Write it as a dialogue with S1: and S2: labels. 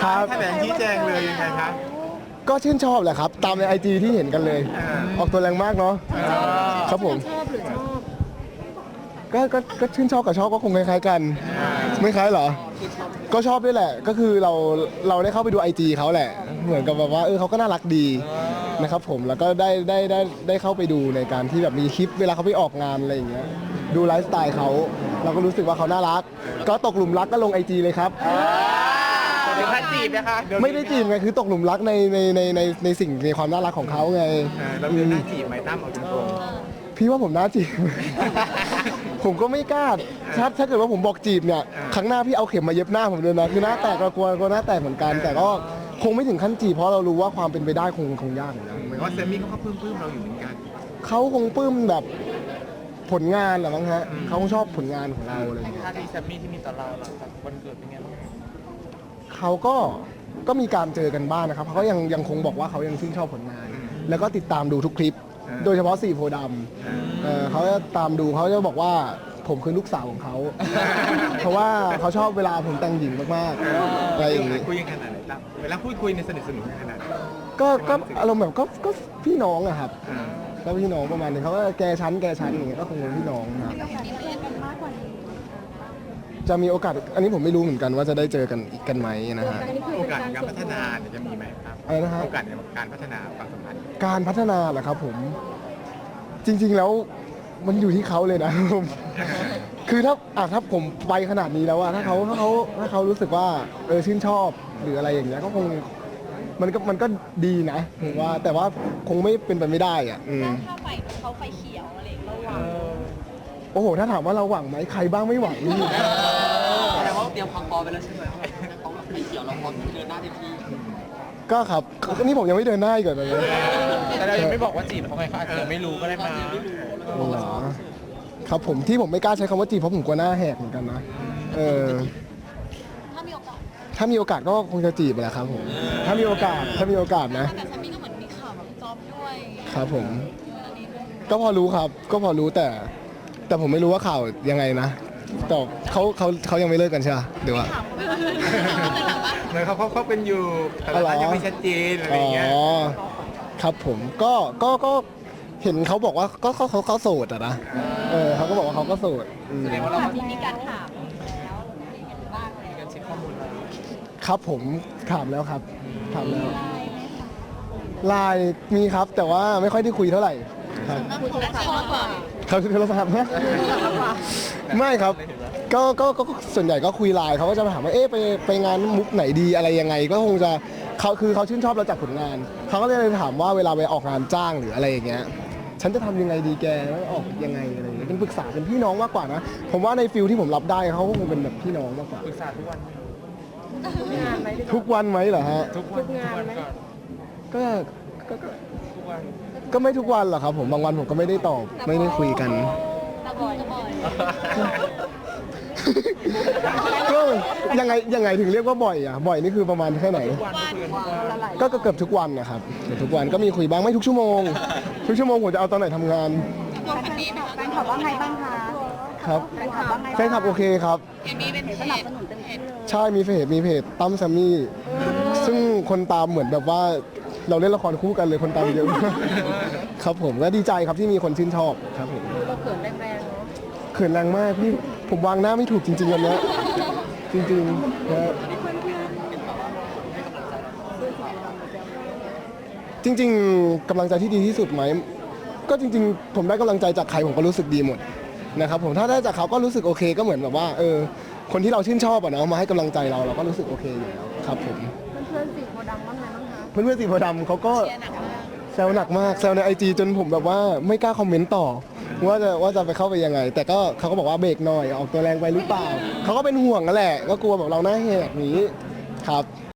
S1: ครับ
S2: แถลงชี้แจงเลยยังไงครับ
S1: ก็ชื่นชอบแหละครับตามใน IG ที่เห็นกันเลย ออกตัวแรงมากเนาะครับผม
S3: ชอบหรือชอบ
S1: ก็ชื่นชอบกับชอบก็คงคล้ายๆกัน ไม่คล้ายเหรอ ก็ชอบด้วยแหละก็คือเราได้เข้าไปดู IG เขาแหละ เหมือนกับแบบว่าเขาก็น่ารักดีนะครับผมแล้วก็ได้เข้าไปดูในการที่แบบมีคลิปเวลาเขาไปออกงานอะไรอย่างเงี้ยดูไลฟ์สไตล์เขาเราก็รู้สึกว่าเขาน่ารัก ก็ตกหลุมรักก็ลง IG เลยครับ
S2: เดี๋ยวพัดจีบนะคะ
S1: ไม่ได้จีบไงคือตกหลุมรักในสิ่งในความน่ารักของเขาไง
S2: เราเดินหน้าจีบไหมตั้มเอาตรง
S1: พี่ว่าผมน่าจีบ ผมก็ไม่กล้าถ้าเกิดว่าผมบอกจีบเนี่ยครั้งหน้าพี่เอาเข็มมาเย็บหน้าผมเลยนะคือหน้าแตกเรากลัวหน้าแตกเหมือนกัน แต่ก็คงไม่ถึงขั้นจีบเพราะเรารู้ว่าความเป็นไปได้คงยากเหมือนกัน
S2: ๆเหมือนว่าเซมี่เขาก็ปลื้มเราอยู่เหมือนกัน
S1: เขาคงปลื้มแบบผลงานแหละมั้งฮะเขาคงชอบผลงานของเราอะไรอย่างเงี้ย
S4: ท่าทีแซมมี่ที่มีต่อเราหลังจากวันเกิดเป็นไงบ้าง
S1: เขาก็มีการเจอกันบ้างนะครับเขาก็ยังคงบอกว่าเขายังชื่นชอบผลงาน แล้วก็ติดตามดูทุกคลิป โดยเฉพาะ4โพธิ์ดำเขาจะตามดูเขาจะบอกว่าผมคือลูกสาวของเขา เพราะว่าเขาชอบเวลาผมแต่งหญิงมากๆอะไรอย่างงี้
S2: คุยกันขนาดไหนตั้มเวลาพูดคุยในสนิทสนมขนาดไหน
S1: ก็อารมณ์แบบก็พี่น้องอะครับ
S2: อ่า
S1: ก็พี่น้องประมาณนึงเขาก็แกชั้นอย่างเงี้ยก็คงเป็นพี่น้องครับ
S3: อยากเจอกันมากกว่านี้
S1: จะมีโอกาสอันนี้ผมไม่รู้เหมือนกันว่าจะได้เจอกันอีกกันไหมนะฮะ
S3: อันนี้คือ
S2: โอ
S3: เป็น
S2: กาส
S3: การ
S2: ในการพัฒนาเนี่ยจะมีไหมครับ
S1: อะไรนะฮะ
S2: โอกาสในการพัฒนาความสัมพันธ์
S1: การพัฒนาเหรอครับผมจริง ๆ แล้วมันอยู่ที่เขาเลยนะ ผมคือถ้าผมไปขนาดนี้แล้วอะถ้าเขารู้สึกว่าชื่นชอบหรืออะไรอย่างเงี้ยก็คงมันก็ดีนะผมว่าแต่ว่าคงไม่เป็นไปไม่ได้อะ
S5: ถ้าไฟเขาไฟเขียวอะไรอย่างเงี้ยเราหวัง
S1: โอ้โหถ้าถามว่าเราหวังไหมใครบ้างไม่หวังนี่
S4: แสดงว่าเตรียมความพร้อมไปแล้วใช่ไหมเขาแบบไฟเขียวเราพร้อมเดินหน้าเต็มที่
S1: ก็ครับนี่ผมยังไม่เดินหน้าอีกเลย
S4: แต่เรายังไม่บอกว่าจีบเขาไงเขาอาจจะไม่รู้ก็ได้มา
S1: เหรอครับผมที่ผมไม่กล้าใช้คำว่าจีบเพราะผมกลัวหน้าแหกเหมือนกันนะ
S5: ถ้ามีโอกาส
S1: ถ้ามีโอกาสก็คงจะจีบแหละครับผมถ้ามีโอกาสนะ
S5: แต่แซมมี่ก็เหมือนมีข่าวแบบจอบด้วย
S1: ครับผม
S5: อันนี้
S1: ก็พอรู้ครับก็พอรู้แต่ผมไม่รู้ว่าข่าวยังไงนะแต่เขายังไม่เลิกกันใช่ไหมหรือว่า
S5: ถามเขาเคยถามว่า
S2: เหมือนเขาเป็นอยู่แต่
S1: อ๋อเหรอ
S2: ละยังไม่ชัดเจนอะไร
S1: อ๋
S2: อย่างเงี้ย
S1: อครับผมก็เห็นเขาบอกว่าก็เขาโสดอะนะเขาก็บอกว่าเขาก็โสด
S4: แสดงว่าเรา
S5: มีการถามแล้วเป็นยังไงบ้างอะไร
S4: มีการเช็คข้อมูลเรา
S1: ครับผมถามแล้วครับถามแล้วไลน์มีครับแต่ว่าไม่ค่อยได้คุยเท่าไหร่ครับ
S5: คุยโทรศัพท์มากกว่า
S1: เขาคือโทรศัพท์นะไม่ครับก็ส่วนใหญ่ก็คุยไลน์เขาก็จะมาถามว่าไปงานมุกไหนดีอะไรยังไงก็คงจะเขาชื่นชอบเราจากผลงานเขาก็เลยถามว่าเวลาไปออกงานจ้างหรืออะไรอย่างเงี้ยฉันจะทำยังไงดีแกแล้วออกยังไงอะไรอย่างเงี้ยเป็นปรึกษาเป็นพี่น้องมากกว่านะผมว่าในฟิลที่ผมรับได้เขาก็คงเป็นแบบพี่น้องมากกว่า
S4: ปรึกษาทุกวัน
S3: งานไหม
S1: ทุกวันไหมเหรอฮะ
S4: ทุกวันก่อน
S1: ก็
S4: ทุกวัน
S1: ก็ไม่ทุกวันหรอกครับผมบางวันผมก็ไม่ได้ตอบไม่ได้คุยกัน
S5: ตะบอย
S1: ก็ยังไงถึงเรียกว่าบ่อยอ่ะบ่อยนี่คือประมาณแค่ไหน
S4: วันคุยกันทุกวัน
S1: ก็เกือบทุกวันนะครับเกือบทุกวันก็มีคุยบ้างไม่ทุกชั่วโมงทุกชั่วโมงผมจะเอาตอนไหนทำงาน
S3: แฟนคลับว่าไงบ้างคะ
S1: ครับ
S3: แฟนคลับว่าไง
S1: แฟนคลับโอเคครับ
S5: เอ็มบีเป็นเพ
S3: สนับ
S5: จ
S3: สนุนเต็มที่เลย
S1: ใช่มีเพจตั้มแซมมี่ซึ่งคนตามเหมือนแบบว่าเราเล่นละครคู่กันเลยคนตามเยอะมากครับผมก็ดีใจครับที่มีคนชื่นชอบครับผม
S3: เราเขินแรงๆเนาะ
S1: เขินแรงมากพี่ผมวางหน้าไม่ถูกจริงๆวันนี้จริงๆนะจริงๆกำลังใจที่ดีที่สุดไหมก็จริงๆ ผมได้กำลังใจจากใครผมก็รู้สึกดีหมดนะครับผมถ้าได้จากเขาก็รู้สึกโอเคก็เหมือนแบบว่าคนที่เราชื่นชอบอะเนาะมาให้กำลังใจเราก็รู้สึกโอเคอยู่แล้วครับผม
S3: เพื่อนๆสีโพธิ์ดำบ้างไงบ้างคะ
S1: เพื่อนๆสีโพธิ์ดำเขาก็
S5: เชียร์หนักมาก
S1: แซวหนักมากแซวใน IG จนผมแบบว่าไม่กล้าคอมเมนต์ต่อว่าจะไปเข้าไปยังไง แต่ก็เขาก็บอกว่าเบรกหน่อยออกตัวแรงไปหรือเปล่าเขาก็เป็นห่วงนั่นแหละก็กลัวแบบเราหน้าแหกนี้ครับ